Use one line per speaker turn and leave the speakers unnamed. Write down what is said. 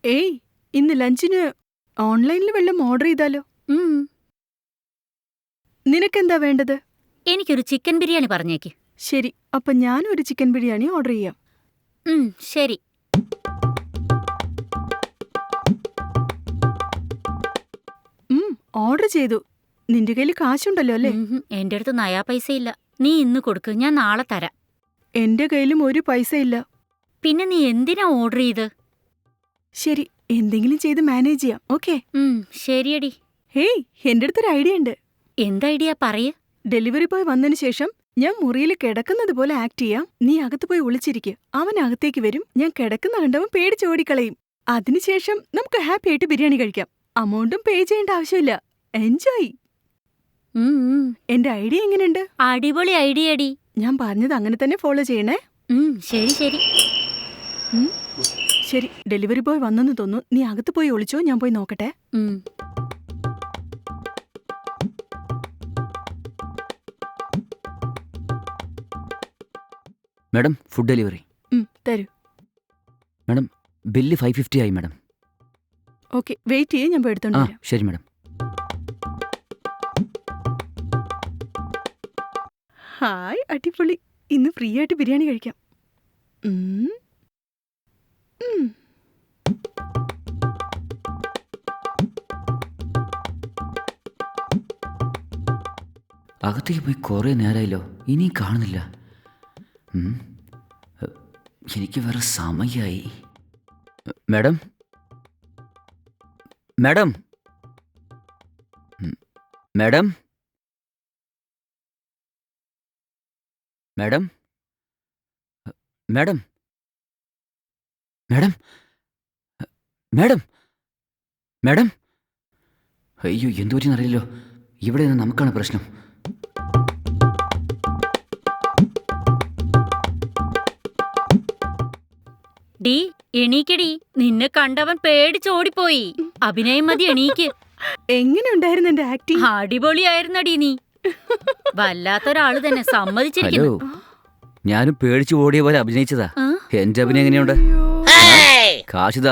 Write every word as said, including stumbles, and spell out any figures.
ഏയ്, ഇന്ന് ലഞ്ചിന് ഓൺലൈനിൽ വല്ലതും ഓർഡർ ചെയ്താലോ?
ഉം.
നിനക്കെന്താ വേണ്ടത്?
എനിക്കൊരു ചിക്കൻ ബിരിയാണി പറഞ്ഞേക്ക്.
ശരി, അപ്പൊ ഞാനും ഒരു ചിക്കൻ ബിരിയാണി ഓർഡർ ചെയ്യാം.
ഉം, ശരി.
ഉം, ഓർഡർ ചെയ്തു. നിന്റെ കയ്യിൽ കാശുണ്ടല്ലോ അല്ലേ?
ഉംഹും, എന്റെ അടുത്ത് നയാ പൈസ ഇല്ല. നീ ഇന്ന് കൊടുക്ക്, ഞാൻ നാളെ തരാം.
എന്റെ കയ്യിലും ഒരു പൈസ ഇല്ല.
പിന്നെ നീ എന്തിനാ ഓർഡർ ചെയ്ത്?
ശരി, എന്തെങ്കിലും ചെയ്ത് മാനേജ് ചെയ്യാം. ഓക്കെ?
ഉം, ശരിയടി.
ഹേയ്, എന്റെ അടുത്തൊരു ഐഡിയ ഉണ്ട്.
എന്ത് ഐഡിയ പറയ്.
ഡെലിവറി ബോയ് വന്നതിന് ശേഷം ഞാൻ മുറിയിൽ കിടക്കുന്നത് പോലെ ആക്ട് ചെയ്യാം. നീ അകത്ത് പോയി ഒളിച്ചിരിക്കുക. അവൻ അകത്തേക്ക് വരും. ഞാൻ കിടക്കുന്ന കണ്ടവൻ പേടിച്ചോടിക്കളയും. അതിനുശേഷം നമുക്ക് ഹാപ്പി ആയിട്ട് ബിരിയാണി കഴിക്കാം. അമൗണ്ടും പേ ചെയ്യേണ്ട ആവശ്യമില്ല. എൻജോയ്.
ഉം, ഉം.
എന്റെ ഐഡിയ എങ്ങനെയുണ്ട്?
അടിപൊളി ഐഡിയ അടി.
ഞാൻ പറഞ്ഞത് അങ്ങനെ തന്നെ ഫോളോ ചെയ്യണേ.
ഉം, ശരി ശരി.
ഉം, ശരി. ഡെലിവറി ബോയ് വന്നെന്ന് തോന്നുന്നു. നീ അകത്ത് പോയി ഒളിച്ചോ, ഞാൻ പോയി നോക്കട്ടെ.
ഉം.
Madam, food delivery.
ഉം, തരൂ.
മാഡം, ബില്ല് ഫൈവ് ഫിഫ്റ്റി ആയി മാഡം.
ഓക്കെ, വെയിറ്റ് ചെയ്യേ, ഞാൻ പോയി എടുത്തോണ്ട്
ആ
വരാം.
ശരി മാഡം.
ഹായ്, അടിപൊളി. ഇന്ന് ഫ്രീ ആയിട്ട് ബിരിയാണി കഴിക്കാം. ഉം. ഉം.
അകത്തേക്ക് പോയി കുറേ നേരമായല്ലോ, ഇനിയും കാണുന്നില്ല. ഉം. എനിക്ക് വേറെ സമയമായി. മാഡം, മാഡം, ഉം. Madam, madam, madam, madam, madam, madam. അയ്യോ, എന്തു പറ്റിയെന്നറിയില്ലല്ലോ. ഇവിടെ നിന്ന് നമുക്കാണ് പ്രശ്നം.
ഡീ, എണീക്കടി. നിന്നെ കണ്ടവൻ പേടിച്ചോടിപ്പോയി. അഭിനയം മതി, എണീക്ക്.
എങ്ങനെ ഉണ്ടായിരുന്നു എന്റെ ആക്ടിങ്?
അടിപൊളിയായിരുന്നടി നീ. വല്ലാത്തൊരാള് തന്നെ,
ഹലോ,
സമ്മതിച്ചിരിക്കുന്നു.
ഞാനും പേടിച്ചു ഓടിയ പോലെ അഭിനയിച്ചതാ.
ആ?
എന്റെ അഭിനയം എങ്ങനെയുണ്ട്?
അയ്യോ.
കാശിതാ.